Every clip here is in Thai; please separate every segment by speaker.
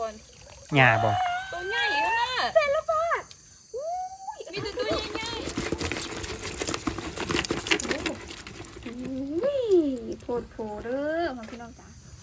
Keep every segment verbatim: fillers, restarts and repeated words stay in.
Speaker 1: หญ้าบ่
Speaker 2: ตัวใหญ่ขนาดเป็นละบาทมีแต่ตัวใหญ่ๆโผล่โผล่เด้อมาพี่น้องจ๋า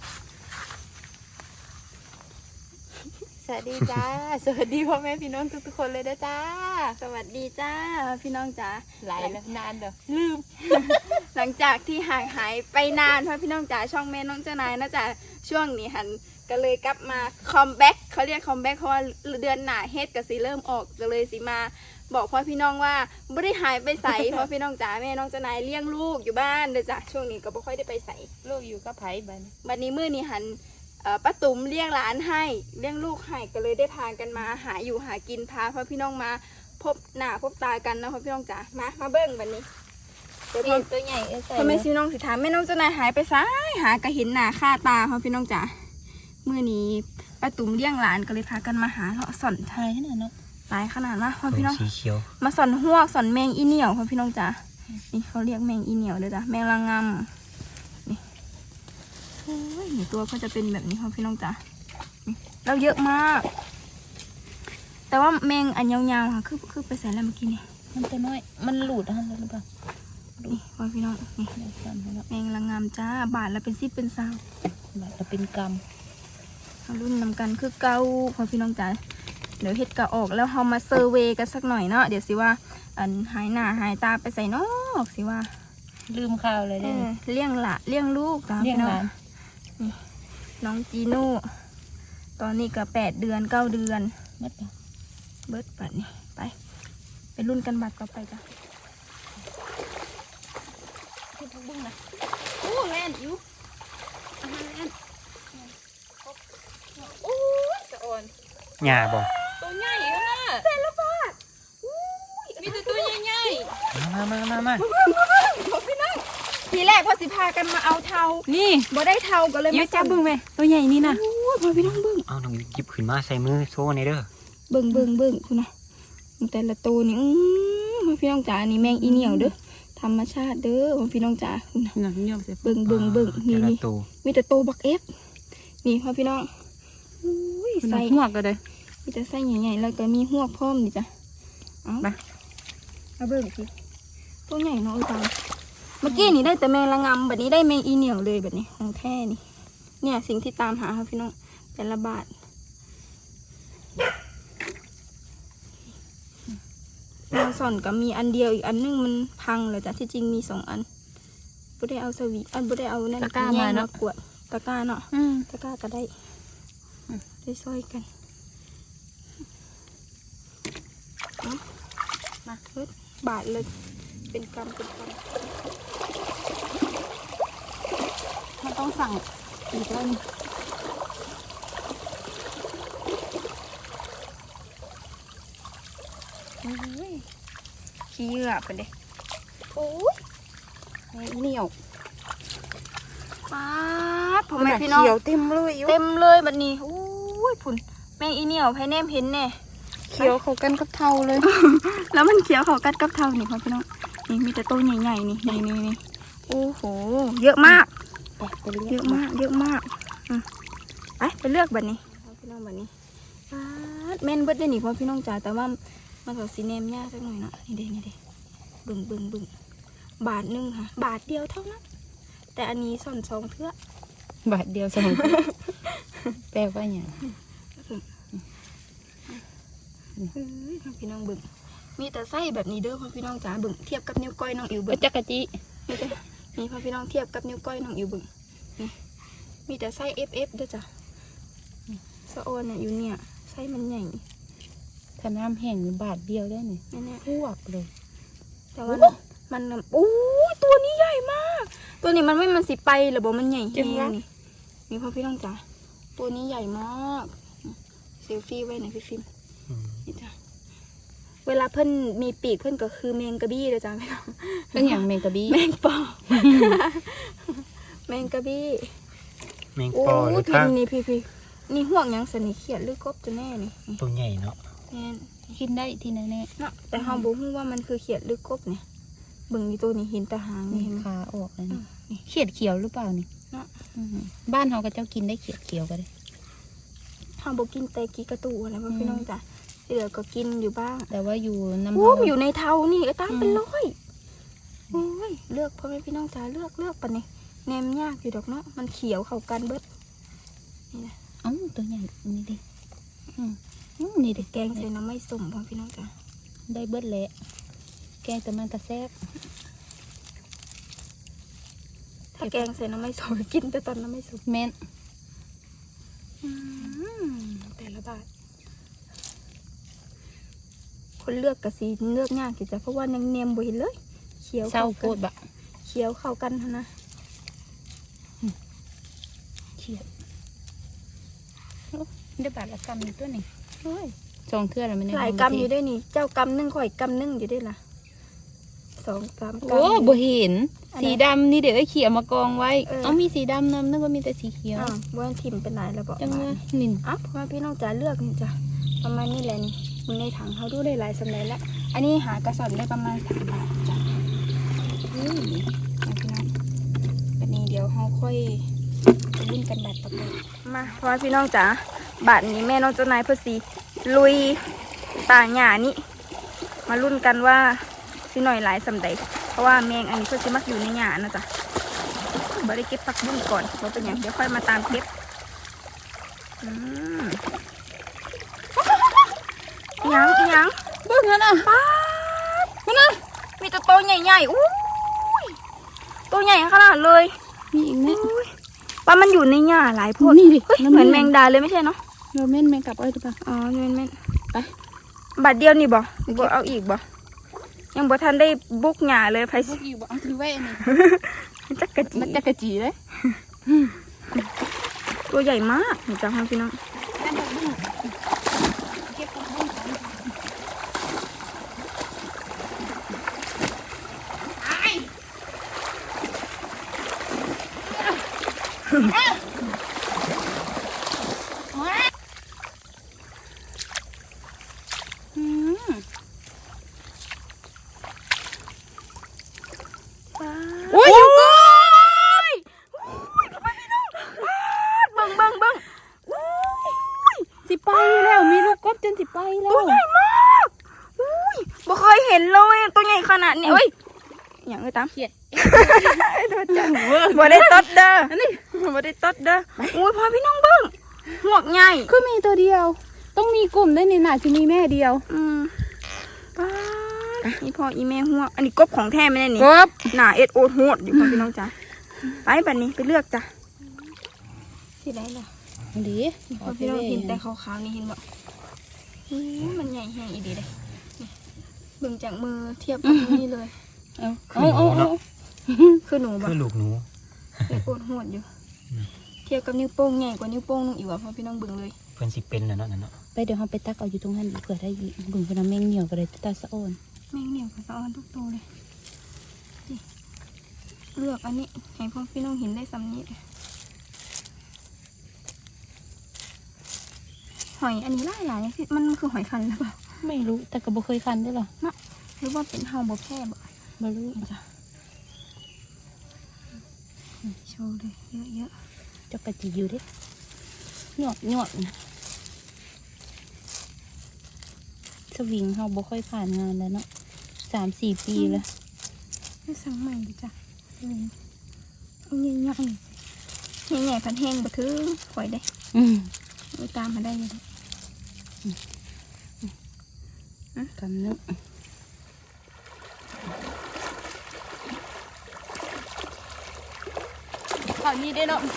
Speaker 2: สวัสดีจ้า สวัสดีพ่อแม่พี่น้องทุกๆคนเลยนะจ้าสวัสดีจ้าพี่น้องจ๋าหลายแล้วนานเด้อลืม หลังจากที่ห่างหายไปนานพ่อพี่น้องจ๋าช่องแม่น้องเจ้านายนะจ๊ะช่วงนี้หันก็เลยกลับมาคอมแบ็กเขาเรียกคอมแบ็กเพราะว่าเดือนหน้าเฮ็ดกับสีเริ่มออกก็เลยสิมาบอกพ่อพี่น้องว่าไม่ได้หายไปใส่ พ่อพี่น้องจ๋าแม่น้องเจ้านายเลี้ยงลูกอยู่บ้านเด้อจ้ะช่วงนี้ก็ไม่ค่อยได้ไปใส่ลูกอยู่กับไผ่บันบัดนี้มื้อนี้หันป้าตุ๋มเลี้ยงหลานให้เลี้ยงลูกให้ก็เลยได้พากันมาหาอยู่หากินพาพ่อพี่น้องมาพบหน้าพบตากันนะพ่อพี่น้องจ๋ามามาเบิ้งบัดนี้เดี๋ยวตัวใหญ่เออใส่พ่อแม่พี่น้องสิถามแม่น้องเจ้านายหายไปซ้ายหากระเห็นหน้าค่าตาพ่อพี่น้องจ๋ามื้อนี้ป้าตุ๋มเลี้ยงหลานก็เลยพากันมาหาเลาะสอนไทยขนาดเนาะหลายขนาดนะพ่อพี่น้อง
Speaker 1: สีเขียว
Speaker 2: มาสอนหวกสอนแมงอีเหนียวพ่อพี่น้องจ๋านี่เขาเรียกแมงอีเหนียวเลยจ้ะแมงละงำนี่โอ้ยนี่ตัวก็จะเป็นแบบนี้พ่อพี่น้องจ๋าแล้วเยอะมากแต่ว่าแมงอันยาวๆค่ะคือคือไปใส่แล้วเมื่อกี้นี่มันตัวน้อยมันหลุดอ่ะหรือเปล่านี่พ่อพี่น้องนี่แมงละงำจ้าบาทละเป็นสิบเป็นสาวบาทละเป็นกำรุ่นนำกันคือเกาพ่อพี่น้องจ๋าเดี๋ยวเฮ็ดกะออกแล้วเฮามาเซอร์เวย์กันสักหน่อยเนาะเดี๋ยวสิว่าอันหายหน้าหายตาไปใส่นอกสิว่า
Speaker 3: ลืมข้าวเลยได้
Speaker 2: เลี้ยงละเลี้ยงลูกจ้าพี่น้องนี่น้องจีโน่ตอนนี้ก็แปดเดือนเก้าเดือนเบิดเบิดปัดนี่ไปไปรุ่นกันบัตรต่อไปจ้ะขึ้นทุกบุ้งนะโอ้แล่นอยู่อาหารแล่นโอ้ยจะอ่อน
Speaker 1: หญ้าบ่
Speaker 2: ตัวใหญ่ขนาดเป็นละบาทมีแต่ตัวใหญ่
Speaker 1: ๆมามามามา
Speaker 2: พี่น้องทีแรกพอสิพากันมาเอาเทานี่บ่ได้เทาก็เลย
Speaker 3: มาจับบึ้งไหมตัวใหญ่นี่นะ
Speaker 2: โอ้ยพอพี่น้องบึ้ง
Speaker 1: เอาน้องหยิบขึ้นมาใส่มือโซ่ในเด้อ
Speaker 2: บึ้งบึ้งบึ้งคุณนะแต่ละตัวนี่อือพี่น้องจ๋านี่แมงอีเหนียวเด้อธรรมชาติเด้อพี่น้องจ๋าคุณนะบึ้งบึ้งบึ้งนี่นี่มีแต่โตบักเอฟนี่พ่อพี่น้อง
Speaker 3: ใส่หัวก็เลย
Speaker 2: มีแต่ไส้ใหญ่ๆแล้วก็มีหัวพร้อมดิจ้ะเอาไปเอาเบิ่งสิตัวใหญ่เนาะจังเมื่อกี้นี่ได้แต่แมงละงำแบบนี้ได้แมงอีเหนียวเลยแบบนี้ของแท้นี่เนี่ยสิ่งที่ตามหาครับพี่น้องแต่ละบาทแมงส่อนก็มีอันเดียวอีกอันนึงมันพังเลยจ้ะที่จริงมีสองอันบ่ได้เอาสวีอันบ่ได้เอานั่น
Speaker 3: ตะกร้ามาเนาะ
Speaker 2: กวดตะกร้าเนาะตะกร้าก็ได้ได้ซอยกันมาเฮ้ยบาทเลยเป็นกำเป็นกำมันต้องสั่งอีกแล้วนี่ขี้เหยื่อไปเลยโอ้ยเหนียวป๊าดผมแม่พี่น้องเขียวเต็มเลยเต็มเลยแบบนี้โอ้ยผุนแมงอีเหนียวไผ่แนมเห็นแน่
Speaker 3: เขียวเขากันกับเทาเลย
Speaker 2: แล้วมันเขียวเขากัดกับเทานี่พ่อพี่น้องนี่มีแต่ต้นใหญ่ๆนี่นี่นี่นี่โอ้โหเยอะมากเยอะมากเยอะมากไปไปเลือกแบบนี้พ่อพี่น้องแบบนี้แม่นเบิดได้หนิพ่อพี่น้องจ๋าแต่ว่ามันก็สีเนมยากสักหน่อยเนาะนี่เด้นี่เด้บึ้งบึ้งบึ้งบาทนึงค่ะบาทเดียวเท่านั้นแต่อันนี้ส่วนสองเทื่
Speaker 3: อบาทเดียวสองแปลว่าอย่าง
Speaker 2: พี่น้องบึ้งมีแต่ไส้แบบนี้เด้อพ่อพี่น้องจ๋าบึ้งเทียบกับนิ้วก้อยน้องอิ๋วบึ้ง
Speaker 3: จักรจี
Speaker 2: นี่พ่อพี่น้องเทียบกับนิ้วก้อยน้องอิ๋วบึ้งนี่มีแต่ไส้เอฟเอฟเด้อจ้ะสะโอนเนี่ยอยู่เนี่ยไส้มันใหญ่
Speaker 3: ถ้าน้ำแห้งบาทเดียวได้เนี่ยพวกเลย
Speaker 2: แต่ว่ามันโอ้ยตัวนี้ใหญ่มากตัวนี้มันไม่มันสิไปหรือบอกมันใหญ่แห้งนี่นี่พ่อพี่น้องจ๋าตัวนี้ใหญ่มากเซลฟี่ไว้หน่อยพี่ฟิล์มนี่จ้ะเวลาเพิ่นมีปีกเพิ่นก็คือแมงกะบี้เลยจ้ะพี่น้อง
Speaker 3: เป็นอย่างแมงกะบี้
Speaker 2: แมงปอแมงกะบี้
Speaker 1: แมงปอหรือ
Speaker 2: ข้างนี่พี่พี่นี่ห่วงยังสนิทเขียดหรือกบจะแน่นี่
Speaker 1: ตัวใหญ่เนาะ
Speaker 3: กินได้ที่ไหนแน่
Speaker 2: เนาะแต่เฮาบ่ฮู้ว่ามันคือเขียดหรือกบเนี่ยเบิ่งนี่ตัวนี้เห็นตาหางนี่
Speaker 3: ขาออกเลยนี่เขียดเขียวหรือเปล่านี่เนาะบ้านเฮาก็เจ้ากินได้เขียดเขียวก็ได้
Speaker 2: เฮาบ่กินแต่กีกระตูอะไรพ่อพี่น้องจ้ะที่เหลือก็กินอยู่บ้าง
Speaker 3: แต่ว่าอยู่น้ำ
Speaker 2: โอ้
Speaker 3: เฮา
Speaker 2: อยู่ในเทานี่ก็ตามเป็นร้อยโอ้ยเลือกพ่อแม่พี่น้องจ๋าเลือกเลือกปะเนี่ยแนมยากอยู่ดอกเนาะมันเขียวเข้ากันเบิดนี่นะ
Speaker 3: เอ้าตัวใหญ่นี่ดิอืมอืมนี่ดิ
Speaker 2: แกงใส่น้ำไม่ส้มพ่อพี่น้องจ๋า
Speaker 3: ได้เบิดแหละแกงแต่มันกระแซบ
Speaker 2: ถ้าแกงใส่น้ำไม่ส้มกินแต่ตอนน้ำไม่ส้ม
Speaker 3: แม่น
Speaker 2: อืมแต่ละบาทคนเลือกกะสีเลือกยากอยู่จ้ะเพราะว่ายังเนียมบ่เห็นเลยเขียว
Speaker 3: เศร้า
Speaker 2: เข้า
Speaker 3: โค
Speaker 2: กัน
Speaker 3: ตรบะ
Speaker 2: เขียวเข้ากันเท่านะ
Speaker 3: เขียดโอ้ได้บาทละกำอยู่ตัวนี่
Speaker 2: โอ้ย
Speaker 3: สองเทื่อแล้วมัน
Speaker 2: หลายกำอยู่ด้วยนี่เจ้ากำหนึ่งข่อยกำหนึ่งอยู่ด้วยล่ะสองสามกำ
Speaker 3: โอ้บ่เห็น
Speaker 2: อันไหน
Speaker 3: สีดำนี่เดี๋ยวไอ้เขียวมากองไว้
Speaker 2: เออ
Speaker 3: เอามีสีดำนำนึกว่ามีแต่สีเขียว
Speaker 2: อ้าวบ้านทิมเป็นไหนแล้วบอก
Speaker 3: จัง
Speaker 2: มา
Speaker 3: เลยนิน
Speaker 2: อ้าวพ่อแม่พี่น้องจ๋าเลือกนี่จ้ะประมาณนี้แหละนี่มึงในถังเขาดูได้หลายสำเร็จแล้วอันนี้หากระสอบได้ประมาณสามบาทจ้ะอืมเอาพี่น้องวันนี้เดี๋ยวเขาค่อยไปรุ่นกันบาทต่อไปมาพ่อแม่พี่น้องจ๋าบาทนี้แม่น้องเจ้านายเพื่อสีลุยตาหญ้านี่มารุ่นกันว่าสิหน่อยหลายสำเร็จเพราะว่าแมงอันนี้เพื่อสิมักอยู่ในหญ้านะจ๊ะบ่ได้เก็บผักบุ้งก่อนเพราะเป็นอย่างเดี๋ยวค่อยมาตามเก็บอืมอิหยังอิหยัง
Speaker 3: เบิ่งนั่นน่ะ
Speaker 2: ป้าดนี่นะมีแต่ตัวใหญ่ๆอู้ยตัวใหญ่ขนาดเลย
Speaker 3: มีอีกไหม
Speaker 2: อุ้ยว่ามันอยู่ในหญ้าหลายพวก
Speaker 3: นี่ดิ
Speaker 2: เฮ้ย
Speaker 3: แล้ว
Speaker 2: เหมือนแมงดาเลยไม่ใช่เนาะ
Speaker 3: เราแม่นแมงกลับเอ้ยถูกปะ
Speaker 2: อ๋อแม่นแม่น
Speaker 3: ไป
Speaker 2: บัดเดียวนี่บ่บ่เอาอีกบ่ยังบ่ทันได้บุกหญ้าเลยไผ
Speaker 3: พวกอยู่บ่เอาถือไว้อันนี้
Speaker 2: จักกะจี
Speaker 3: มันจะกระจีเลย
Speaker 2: ตัวใหญ่มากนี่จ้าพี่น้อง
Speaker 3: นั่นดอกบุ้งเก็บดอกบุ้งก่อน
Speaker 2: อืมโอ้ยอยู่ก่อนเบิ่งเบิ่งเบิ่งอุ้ย
Speaker 3: สิไปแล้วมีลูกกบจนสิไปแล้ว
Speaker 2: ตัวใหญ่มากอุ้ยบ่เคยเห็นเลยตัวใหญ่ขนาดนี้เอ้ยอย่างไรตาม
Speaker 3: เขียด
Speaker 2: บ่ได้ตดเด้อนี่บ่ได้ตดเด้ออุ้ยพอพี่น้องเบิ่งหวกใหญ่
Speaker 3: คือมีตัวเดียว ต้องมีกลุ่มได้นี่น่ะจะมีแม่เดียว
Speaker 2: อืมป้าดนี่พออีแม่หัวอันนี้กบของแท้ไม่ได้นี่
Speaker 3: กบ
Speaker 2: หน้าเอ็ดโอดโหดอยู่พอพี่น้องจ้ะไปบัดนี้ไปเลือกจ้ะสิได้ล่ะ
Speaker 3: ดี
Speaker 2: พอพี่น้องเห็นแต่ขาวๆนี่เห็นบ่อื้อมันใหญ่แห้งอีดีเลยนี่เบิ่งจากมือเทียบกับนี่เลย
Speaker 3: เอาเอาเอาเอา
Speaker 2: คือหนูบ่
Speaker 1: คือลูกหนู
Speaker 2: เอ็ดโอดโหดอยู่ เทียบกับนิ้วโป้งใหญ่กว่านิ้วโป้งนึงอีกว่ะพอพี่น้องเบิ่งเลย
Speaker 1: เพิ่นสิเป็นแล้วเนาะนั่นเนาะ
Speaker 3: ไปเดี๋ยวเราไปตักเอาอยู่ตรงนั้นดีเผื่อได้อีกบุญพนันแมงเหนียวก็เลยตาสะโอน
Speaker 2: แม่งเหนียวกับสะออนทุกตัวเลยนี่เลือกอันนี้ให้พวกพี่น้องเห็นได้สำนี้หอยอันนี้หลายหลายๆสิมันคือหอยคันหรือเปล่า
Speaker 3: ไม่รู้แต่ก็บ่เคยคันด้วยหรอ
Speaker 2: หรือว่าเป็นเฮาบ่แพร่บ่
Speaker 3: บ่รู้
Speaker 2: จ้ะโชว์เลยเยอะ
Speaker 3: เจ้ากระจีอยู่เดิหยอดหยอดนะสวิงเราบ่ค่อยผ่านงานแล้วเนาะสามสี่ปีแล้ว
Speaker 2: ๆไม่สั่งใหม่ดิจ้ะเลยเอาใหญ่ๆใหญ่ๆพันแห้งบ่ถึงปล่อยได้
Speaker 3: อืม
Speaker 2: ไปตามมาได้เลย
Speaker 3: กำนึง
Speaker 2: ข่าวนี้ได้เนาะ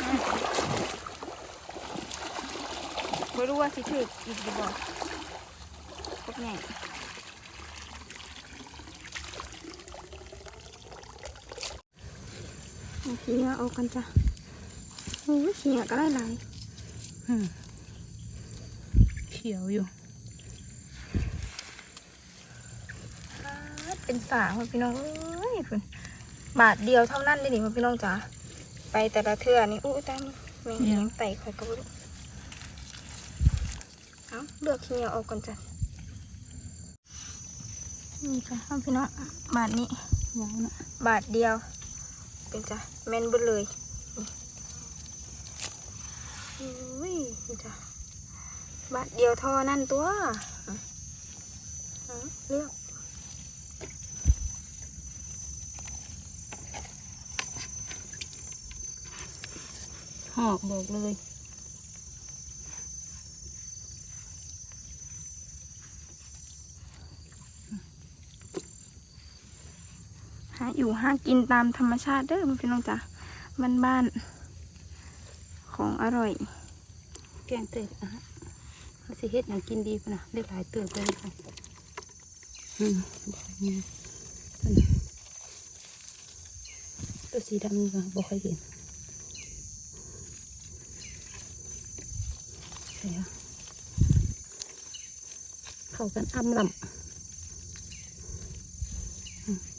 Speaker 2: ไม่รู้ว่าสิถืออีกหรือเปล่าพวกใหญ่ขี้เหงื่อเอากันจ้ะโอ้ยขี้เหงื่อก็ได้หลาย
Speaker 3: อืมเขียวอยู่
Speaker 2: เป็นสาวพี่น้องเอ้ยเพิ่นบาทเดียวเท่านั้นเลยนี่พี่น้องจ๋าไปแต่ละเทื่อนี่อู้ตามแมงเลี้ยงไต่ข่อยก็บ่รู้เอาเลือกขี้เหงื่อออกก่อนจ้ะนี่จ้ะพี่น้องบาทนี้
Speaker 3: ยาวเนาะ
Speaker 2: บาทเดียวเป็นจ้ะแม่นเบิดเลยนี่อุ้ยนี่จ้ะบาทเดียวเท่านั่นตัวอ่ะเลือก
Speaker 3: หอกบอกเลย
Speaker 2: หาอยู่หากินตามธรรมชาติเด้อพี่น้องจ้ะบ้านๆของอร่อย
Speaker 3: แกงเตยอ่ะเขาสิเฮ็ดอย่างกินดีพุ่นนะได้หลายเติบเลยค่ะอืมนี่ตัวสีดำนี่ก็บ่ค่อยเห็นใช่ค่ะเข้ากันอ้ำลำอืม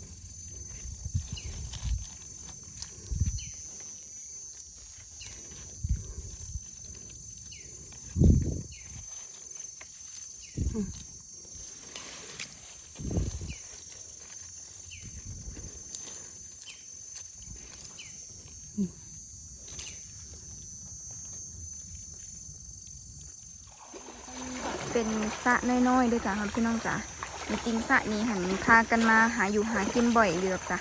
Speaker 3: อืม
Speaker 2: เป็นสระน้อยๆด้วยจ้ะครับพี่น้องจ้ะจริงๆสระนี้หันพากันมาหาอยู่หากินบ่อยเดือกจ้ะ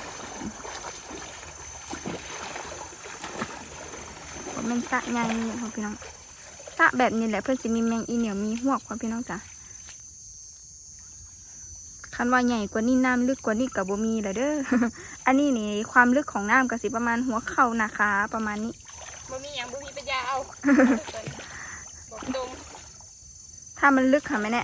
Speaker 2: ผมเป็นสระใหญ่ครับพี่น้องสระแบบนี้แหละเพื่อนสิมีแมงอีเหนียวมีหวกครับพี่น้องจ้ะคันว่าใหญ่กว่านี้น้ำลึกกว่านี้กับบ่มีเลยเด้อ อันนี้นี่ความลึกของน้ำก็สิประมาณหัวเข่านะคะประมาณนี้
Speaker 3: บ่มีอย่างบ่มีปัญญาเอา บอกตรง
Speaker 2: ถ้ามันลึกค่ะแม่แน่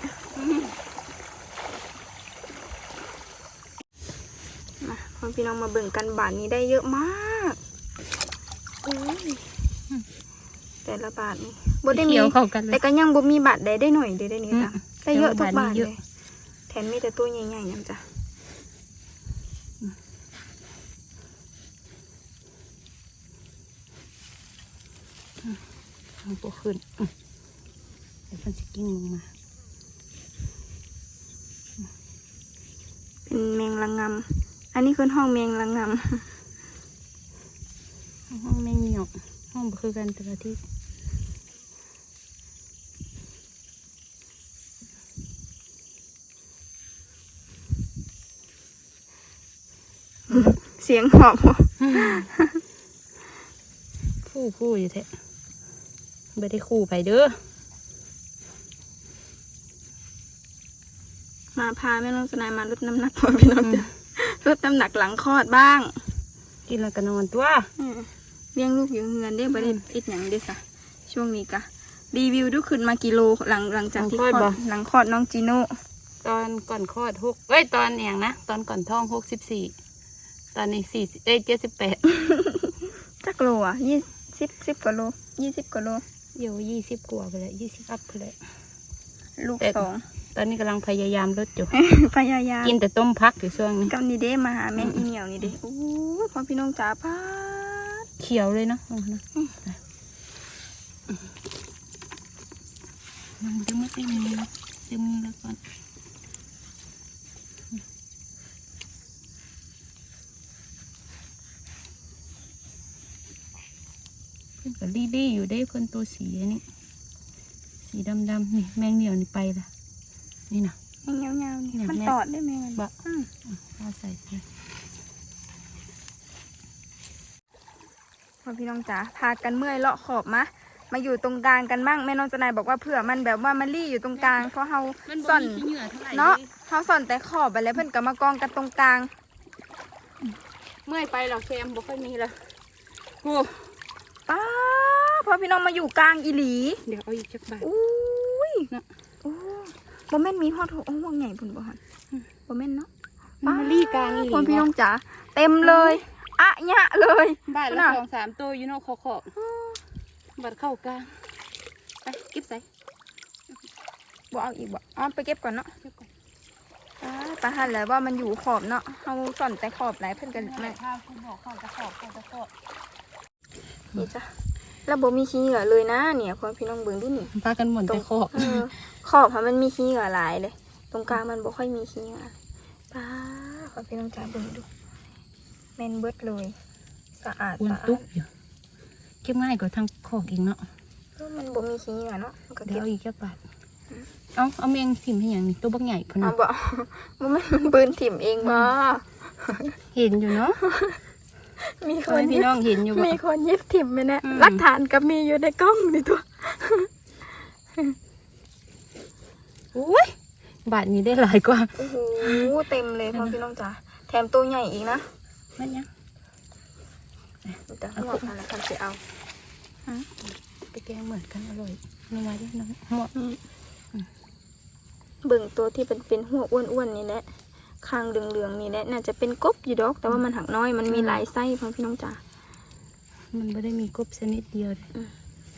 Speaker 2: มาพ่อพี่น้องมาเบิ่งกันบาทนี้ได้เยอะมากอุ้ยแต่ละบาทนี่บ่ได้มี
Speaker 3: เขียวเข้ากันเล
Speaker 2: แต่
Speaker 3: ย
Speaker 2: ก็ยังบ่มีบาทใดได้หน่อยเดียวได้นี่จ้ะ
Speaker 3: อืม
Speaker 2: ได้เยอะทุกบาท
Speaker 3: เย
Speaker 2: เล
Speaker 3: อะ
Speaker 2: ยแถมมีแต่ตัวใหญ่ๆนั่นจ้ะ
Speaker 3: ทางตัวขึ้นอืมเดี๋ยวมันจะกิ้งลงมา
Speaker 2: เป็นแมงลังงำอันนี้คือห้องแมงลังง
Speaker 3: ห้องแมงเหนียวห้องบ่คือกันแต่ละที่
Speaker 2: ำเสียงหอบ
Speaker 3: คู่คู่อยู่แท้ไม่ได้คู่ไปเด้อ
Speaker 2: มาพาแม่น้องสนายมาลดน้ำหนักพ่อพี่น้องจ้ะลดน้ำหนักหลังคลอดบ้าง
Speaker 3: กินแล้วก็นอนตัว
Speaker 2: อืมเลี้ยงลูกอยู่เงินได้บริอิดอย่างเด้ค่ะ ช่วงนี้กะรีวิวดูขึ้นมากิโลหลังหลังจากที่คลอดหลังคลอดน้องจีโน่
Speaker 3: ตอนก่อนคลอดหกเอ้ยตอนอย่างนะตอนก่อนท้องหกสิบสี่ตอนนี้สี่เอ้ยเจ็ดสิบแปด
Speaker 2: จักโลอ่ะยี่สิบสิบกว่าโลยี่สิบกว่าโล
Speaker 3: เดี๋ยวยี่สิบกว่าไปเลยยี่สิบอัพไปเลย
Speaker 2: ลูกสอง
Speaker 3: ตอนนี้กำลังพยายามลดอยู่
Speaker 2: พยายาม
Speaker 3: กินแต่ต้มพักอยู่ช่วงนี้
Speaker 2: กับนี่เด้มาหาแมงอีเหนียวนี่เด้โอ้ยพ่อพี่น้องจ๋าพาด
Speaker 3: เขียวเลยเนาะมันจะไม่เต็มมือเต็มมือแล้วก่อนเพื่อนกับลี่ลี่อยู่ได้เพื่อนตัวสีนี่สีดำดำนี่แมงเหนียวนี่ไปละนี่นะ
Speaker 2: แมงเงาๆนี่
Speaker 3: เนี่ย
Speaker 2: มัน
Speaker 3: แม่
Speaker 2: ตอดได้ไหมมัน
Speaker 3: บะ
Speaker 2: อืม
Speaker 3: เอาใส่ไป
Speaker 2: พ่อพี่น้องจ๋าพากันเมื่อยเลาะขอบมะมาอยู่ตรงกลางกันบ้างแม่น้องจนายบอกว่าเผื่อมันแบบว่ามันรี่อยู่ตรงกลางเพราะเฮาซ่อนเนาะเฮาซ่อนแต่ขอบไปแล้วเพิ่นก็มากองกันตรงกลาง
Speaker 3: เมื่อยไปหรอกแคมบ่ค่อยมีละโอ้
Speaker 2: ป้าพ่อพี่น้องมาอยู่กลางอีหลี
Speaker 3: เดี๋ยวเอาอีกจักบาท
Speaker 2: อุ้ย
Speaker 3: เนาะ
Speaker 2: โอ้บ่แม่นมีฮอดโอ้ห่วงใหญ่พุ่นบ่ฮันบ่แม่นเนาะ
Speaker 3: มันมาลี่กลางอีหลี
Speaker 2: พ่อพี่น้องจ๋าเต็มเลยอะยะเลย
Speaker 3: บ้านละสองสามตัวอยู่เนอกขอขอบบัดเข้ากลางไปเก็บใส่
Speaker 2: บ่เอาอีกบ่อ๋อไปเก็บก่อนเนาะ
Speaker 3: เก็บก่อน
Speaker 2: ป้าปาหันแล้วว่ามันอยู่ขอบเนาะเฮาซ่อนแต่ขอบหลายเพิ่นกัน
Speaker 3: แม่
Speaker 2: แม่
Speaker 3: ข้าวคุณบอกข้าวจะขอบข้าวจะขอบ
Speaker 2: นี่จ้ะแล้วบ่มีขี้เหงื่อเลยนะเนี่ยพ่อพี่น้องเบิ่งดูนี่
Speaker 3: ปลากันหมดแต่ขอบ
Speaker 2: เออขอบค่ะมันมีขี้เหงื่อหลายเลย ตรงกลางมันบ่ค่อยมีขี้เหงื่อป้าขอพี่น้องจ๋าเบิ่งดูแม่นเบิดเลยสะอาด
Speaker 3: อ้วน
Speaker 2: สะอา
Speaker 3: ตุ๊
Speaker 2: ด
Speaker 3: บอยู่เก็บง่ายกว่าทางขอบอีกเนาะ
Speaker 2: มันบ่มีขี้เหงื่อเนาะมันก็
Speaker 3: เดี๋
Speaker 2: เก็
Speaker 3: ยว
Speaker 2: บ
Speaker 3: เอาอีกแค่บาทเอาเอาแมงถิ่มให้อย่างนี้ตัวบักใหญ่พอ
Speaker 2: เอา
Speaker 3: นะ
Speaker 2: บ่มันมันปืนถิ่มเองบ่
Speaker 3: เห็นอยู่เนาะ
Speaker 2: มีค
Speaker 3: คน
Speaker 2: น
Speaker 3: พี่น้องเห็นอยู่บ่
Speaker 2: มีคนยิบถิ่มไปนะ
Speaker 3: อืม
Speaker 2: หลักฐานก็มีอยู่ในกล้องนี่ตัว
Speaker 3: อุ้ยบาทนี้ได้หลายกว่า
Speaker 2: โอ้โหเต็มเลยพ่อพี่น้องจ๋าแถมตัวใหญ่อีกนะ
Speaker 3: มันยัง
Speaker 2: แต่หัวอะไรคันจะเอา
Speaker 3: ไปแกงเหมือนกันอร่อยน้องไว้ดิน้องหมด
Speaker 2: เบิ่งตัวที่เป็นเป็นหัวอ้วนๆนี่แหละคางเหลืองๆนี่แหละน่าจะเป็นกบอยู่ดอก แต่ว่ามันหักน้อยมันมีหลายไส้พ่อพี่น้องจ๋า
Speaker 3: มันไม่ได้มีกบชนิดเดียวเลย
Speaker 2: อืม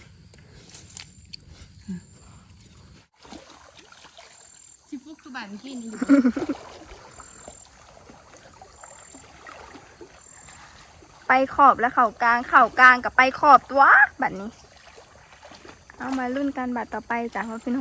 Speaker 3: สิฟุกคือบาทที่นี่อยู่
Speaker 2: ไปขอบแล้วเข่ากลางเข่ากลางกับไปขอบตัวบัดนี้ เอามารุ่นกันบัดต่อไปจ้ะพ่อพี่น้อง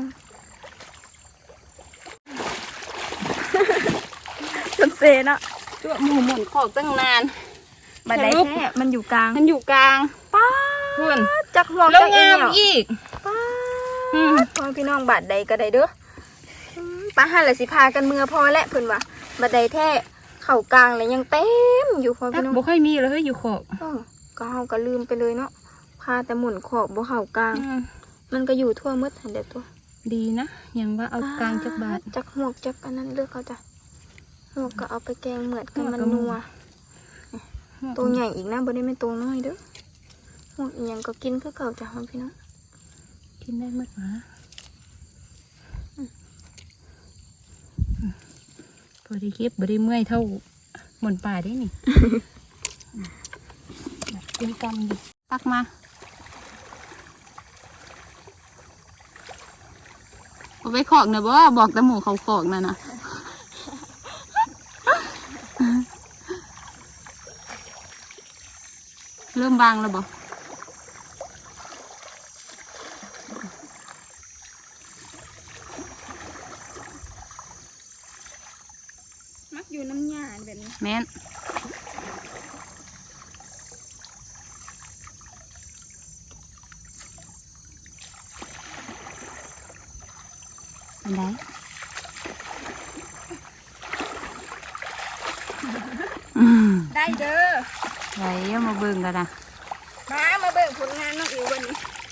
Speaker 2: จนเซนอะ
Speaker 3: ตัวหมูหมุนขอกตั้งนาน
Speaker 2: บัดไดแท้มันอยู่กลาง
Speaker 3: มันอยู่กลาง
Speaker 2: ป้า
Speaker 3: เพื่อน
Speaker 2: จักห่วง
Speaker 3: แล้ว
Speaker 2: จักเอ
Speaker 3: งาม
Speaker 2: ว
Speaker 3: อีก
Speaker 2: ป้า
Speaker 3: อืม
Speaker 2: พ่อพี่น้องบัดใดก็ได้เด้ออืมป้าหันละสิพากันเมือพอและเพิ่นว่าบัดใดแท้เข่ากลางเลยยังเต็มอยู่พ่อ
Speaker 3: ตั
Speaker 2: พี่
Speaker 3: ก
Speaker 2: น้อง
Speaker 3: บ่ค่อยมีเลยเฮ้ยอยู่ขอบ
Speaker 2: อ้อก็เฮาก็ลืมไปเลยเนาะพาแต่หมุนขอบบ่เข่ากลาง
Speaker 3: อืม
Speaker 2: มันก็อยู่ทั่วหมืดหันเด็ดตัว
Speaker 3: ดีนะยังว่าเอากลางจักบาท
Speaker 2: จักหวกจักอันนั้นเลือกเขาจ้ะหวกก็เอาไปแกงเหมือดกันมัน
Speaker 3: หวกกับ
Speaker 2: นัวตัวใหญ่อีกนะบ่ได้ไม่ตัวน้อยเด้อหวกอีหยังก็กินคือเก่าจ้ะพี่น้อง
Speaker 3: กินได้หมดหมาพอได้เก็บบ่ได้เมื่อยเท่าหมุนป่าได้นี่ กินกำดิตักมาเอาไปขอกนะบ่บอกแต่หมูเขาขอกนะนะ เริ่มบางแล้วบ่
Speaker 2: มักอยู่น้ำหญ้าแบบนี้
Speaker 3: แม่นอันใด
Speaker 2: ได้เด้อ
Speaker 3: ไหนเอามาเบิ่งกันนะ
Speaker 2: มามาเบิ่งผลงานน้องอิ๋ววันนี้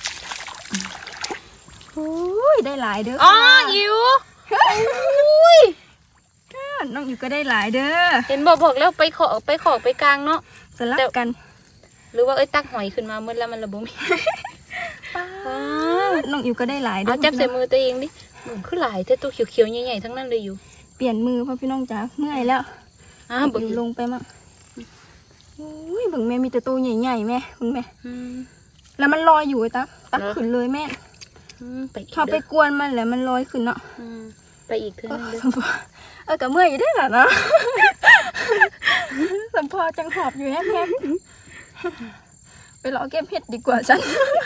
Speaker 2: โอ้ยได้หลายเด้อ
Speaker 3: อ๋อ
Speaker 2: ค่ะ
Speaker 3: อิ๋ว
Speaker 2: อุ้ยน้องอิ๋วก็ได้หลายเด้อ
Speaker 3: เห็นบอกบอกแล้วไปขอไปขอไปกลางเนาะ
Speaker 2: สลับกัน
Speaker 3: หรือว่าเอ้ยตักหอยขึ้นมาเมื่อแล้วมันระบม
Speaker 2: ป้าน้องอิ๋วก็ได้หลายเด้
Speaker 3: เอาจับใส่มือตัวเองดิมันคือหลายแต่ตัวเขียวๆใหญ่ๆทั้งนั้นเลยอยู่
Speaker 2: เปลี่ยนมือพ่อพี่น้องจ๋าเมื่อยแล้ว
Speaker 3: อ้าวบ
Speaker 2: อยู่ลงไปมั่งอุ้ยเบิ่งแม่มีแต่ตัวใหญ่ๆแม่เบิ่งแม่
Speaker 3: อืม
Speaker 2: แล้วมันลอยอยู่ไอ้ตักตัก
Speaker 3: เหรอ
Speaker 2: ขึ้นเลยแม่
Speaker 3: อืมไปอีก
Speaker 2: ถ้าไป
Speaker 3: เด้อก
Speaker 2: วนมันแล้วมันลอยขึ้นเนาะ
Speaker 3: อืมไปอีกเท่า
Speaker 2: เอ
Speaker 3: นั้นเลย
Speaker 2: อเออกับเมื่อยอยู่ได้หรอเนาะสมพอจังหอบอยู่แฮมๆไปรอเก็บเห็ดดีกว่าฉัน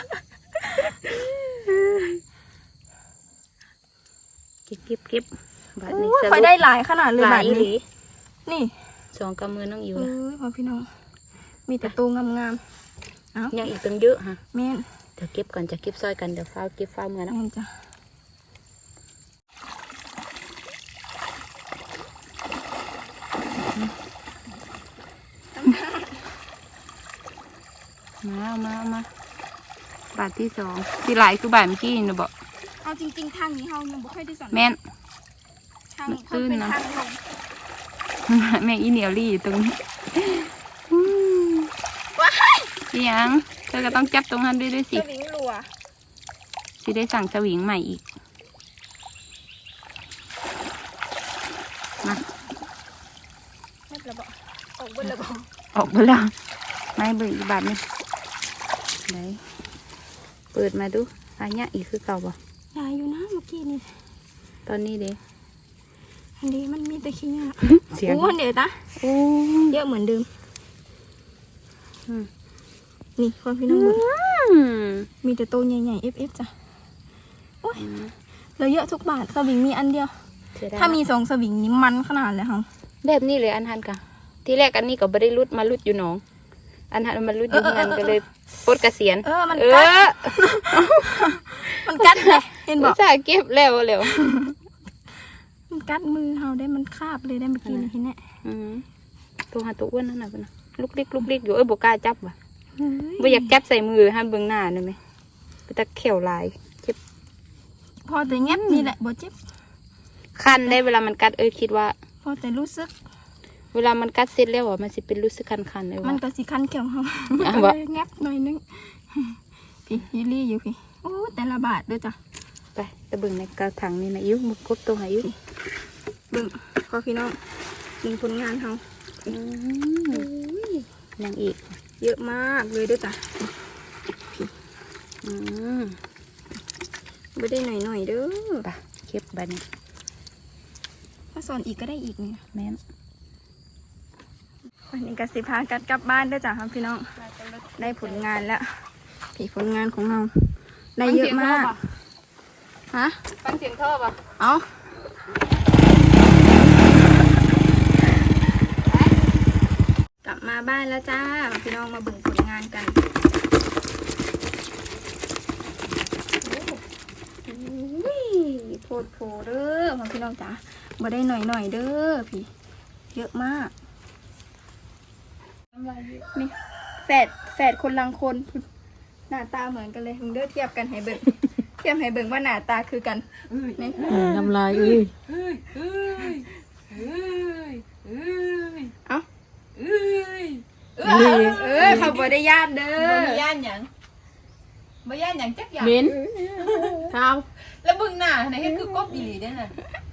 Speaker 3: เก็บเก็บเก็บบาทนี้
Speaker 2: โอ้ยไปได้หลายขนาดเลย
Speaker 3: ห
Speaker 2: แบ
Speaker 3: ลาย
Speaker 2: บ
Speaker 3: อีหลี
Speaker 2: นี้นี่
Speaker 3: สองกำมือน้องอิ๋ว
Speaker 2: เอ้
Speaker 3: นะ
Speaker 2: ยพ่อพี่น้องมีแต่ตัวงามๆเอ้า
Speaker 3: ยังอีกตั้งเยอะฮะ
Speaker 2: แม่น
Speaker 3: เดี๋ยวเก็บก่อนจะเก็บซอยกันเดี๋ยวฟ้าวเก็บฟ้าวเมื่อนะ
Speaker 2: แม่นจ้ะ
Speaker 3: มาเอามาเอามาบาทที่สองที่หลายคือบาทเมื่อกี้นะบอก
Speaker 2: เอาจริงๆทางนี้เฮายังบ่ค่อยได้สอน
Speaker 3: แม่น
Speaker 2: ทาง
Speaker 3: มัน
Speaker 2: เขาเป็น
Speaker 3: ตื้นนะ
Speaker 2: ทางลง
Speaker 3: แม่อีเหนียวรี่อยู่ตรงนี้
Speaker 2: ว้าย
Speaker 3: อีหยังเธอก็ต้องจับตรงนั้นด้วยด้วย
Speaker 2: ส
Speaker 3: สิ
Speaker 2: วิงรัว
Speaker 3: สิได้สั่งสวิงใหม่อีกมา
Speaker 2: ไม่ระบอกออกบนระบอก
Speaker 3: ออกไปแล้วไม่เบิกอีกบาทนึงไหนเปิดมาดูอันเนี้ยอีกคือเก่าป่ะ
Speaker 2: ยายอยู่นะเมื่อกี้นี่
Speaker 3: ตอนนี้เด้
Speaker 2: อันนี้มันมีแต่ขี้เงี้ย
Speaker 3: เสียง
Speaker 2: โอ้เดี๋ยวนะ
Speaker 3: โอ้
Speaker 2: เยอะเหมือนเดิม
Speaker 3: อืม
Speaker 2: นี่พ่อพี่น้องบุญ
Speaker 3: อืม
Speaker 2: มีแต่ตัวใหญ่ๆ เอฟ เอฟ จ้ะโอ้ยเราเยอะทุกบาทสวิงมีอันเดียว
Speaker 3: เสียดย
Speaker 2: ถ้ามีสองสวิงนี่มันขนาดเลยค่ะ
Speaker 3: แบบนี้เลยอันทันกะที่แรกอันนี้ก็ไม่ได้รุดมารุดอยู่หนอง
Speaker 2: อันนั้นมันรุดอยู่งานก็เลยปลดเกษียณ
Speaker 3: เออมัน
Speaker 2: เอ
Speaker 3: กัด
Speaker 2: อ
Speaker 3: มันกัดเลยเห็นบอก
Speaker 2: สาเก็บแล้วเร็ว
Speaker 3: มันกัดมือเฮาได้มันคาบเลยได้เมื่อกี้นี่เห็นแน่
Speaker 2: อืมตัวหาตัวอ้วนนั่นน่ะเพิ่นน่ะลุกลิกลุกลิกอยู่เอ้ยบ่กล้าจับว่ะ
Speaker 3: เฮ้ย
Speaker 2: บ่อยากจับใส่มือให้เบิ่งหน้าได้ไหมไปตะเขียวลายเจ็บ
Speaker 3: พอแต่แงบนี่แหละบ่เจ็บ
Speaker 2: คันได้เวลามันกัดเอ้ยคิดว่า
Speaker 3: พอแต่รู้สึก
Speaker 2: เวลามันกัดเสร็จแล้วอ่ะมันสิเป็นรู้สึกคันๆเลย
Speaker 3: มัน
Speaker 2: ว่า
Speaker 3: ก็สิคันเขียวเฮา
Speaker 2: อ่ะ
Speaker 3: ก็
Speaker 2: บ่
Speaker 3: เลยแงบหน่อยนึงพี่ยิลี่อยู่พี่โอ้แต่ละบาทเด้อจ้ะ
Speaker 2: ไปตะเบิ่งในกระถางนี่นะอิ้วมึกกบตัวไหนอิ้ว
Speaker 3: เบิ่งพอพี่น้องยิงผลงานเฮา
Speaker 2: อืมยังอีก
Speaker 3: เยอะมากเลยเด้อจ้ะ
Speaker 2: อืม
Speaker 3: ไม่ได้หน่อยๆเด้อ
Speaker 2: ไปเก็บบัดนี้
Speaker 3: ถ้าสอนอีกก็ได้อีกเนี่ย
Speaker 2: แม่น
Speaker 3: วันนี้ก็สิพากันกลับบ้านเด้อจ้ะครับพี่น้องได้ผลงานแล้วผีผลงานของเราได้เยอะมากฮะ
Speaker 2: ฟังเสียงท่อป่ะ
Speaker 3: เอากลับมาบ้านแล้วจ้าพี่น้องมาเบิ่งผลงานกันอุ้ยโพดโพเด้อของพี่น้องจ้ามาได้หน่อยหน่อยๆเด้อพี่เยอะมากนี่แฝดแฝดคนลังคนหน้าตาเหมือนกันเลยมึงเด้อเทียบกันให้เบิ่ง เทียบให้เบิ่งว่าหน้าตาคือกันนี่
Speaker 2: น้ำลายอุ้ย
Speaker 3: เอ้า
Speaker 2: เอ้ย
Speaker 3: เออเขาบ่ได้ญาติเด้อ
Speaker 4: บ่ย่านหยังบ่ย่านหยังจักอย่าง
Speaker 2: เหม็นเท้า
Speaker 4: แล้วเบิ่งหน้าไหนเฮ็ดคือกบอีหลีเด้อน่ะ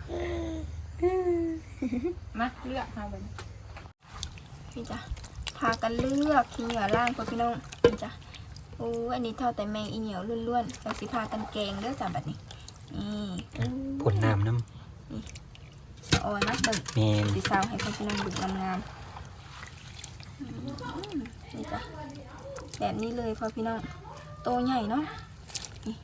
Speaker 4: มาเลือกเอาบัดนี้
Speaker 3: พี่จ้ะพากันเลือกขี้เหนียวล่างพ่อพี่น้องพี่จ้ะโอ้อันนี้เท่าแต่แมงอีเหนียวล้วนๆเราสิพากันแกงเด้อจ้ะบัดนี้นี่
Speaker 1: ผลน้ำน้
Speaker 3: สะออนนะเบิ่ง
Speaker 1: ำเมน
Speaker 3: สีสาวให้พ่อพี่น้องดูงามๆอืมนี่จ้ะแบบนี้เลยพ่อพี่น้องโตใหญ่เนาะนี่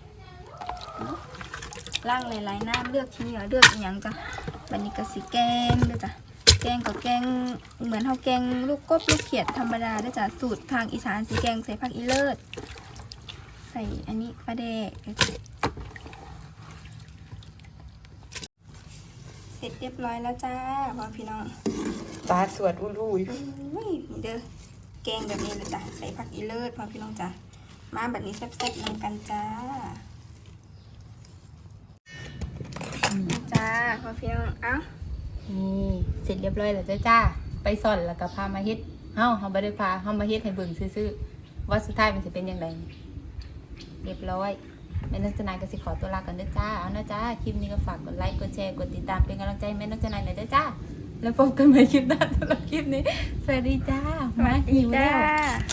Speaker 3: ล่างหลายๆน้ำเลือกขี้เหนียวเลือกอหย่างจ้ะบัดนี้ก็สิแกงเด้อจ้ะแกงกับแกงเหมือนเฮาแกงลูกกบลูกเขียดธรรมดาเด้อจ้ะสูตรทางอีสานสีแกงใส่ผักอีเลิศใส่อันนี้ปลาแดกเด้อจ้ะเสร็จเรียบร้อยแล้วจ้าพ่อพี่น้อง
Speaker 2: ตาสวดอุ้ย
Speaker 3: อุ้ยนี่เด้อแกงแบบนี้เลยจ้ะใส่ผักอีเลิศพ่อพี่น้องจ้ะมาแบบนี้แซ่บๆนำกันจ้านี่จ้าพ่อพี่น้องเอ้า
Speaker 4: นี่เสร็จเรียบร้อยแล้วจ้าจ้าไปสอนแล้วก็พามาเฮ็ดเฮาเฮาบ่ได้พาเฮามาเฮ็ดให้เบิ่งซื่อๆว่าสุดท้ายมันสิเป็นจังไดเรียบร้อยแม่นกจนายก็สิขอตัวลากันเด้อจ้าเอานะจ้าคลิปนี้ก็ฝากกดไลค์กดแชร์กดติดตามเป็นกำลังใจให้แม่นกจนายหน่อยเด้อจ้าแล้วพบกันใหม่คลิปหน้าสำหรับคลิปนี้สวัสดีจ้ามาหิวแล้ว
Speaker 3: จ้า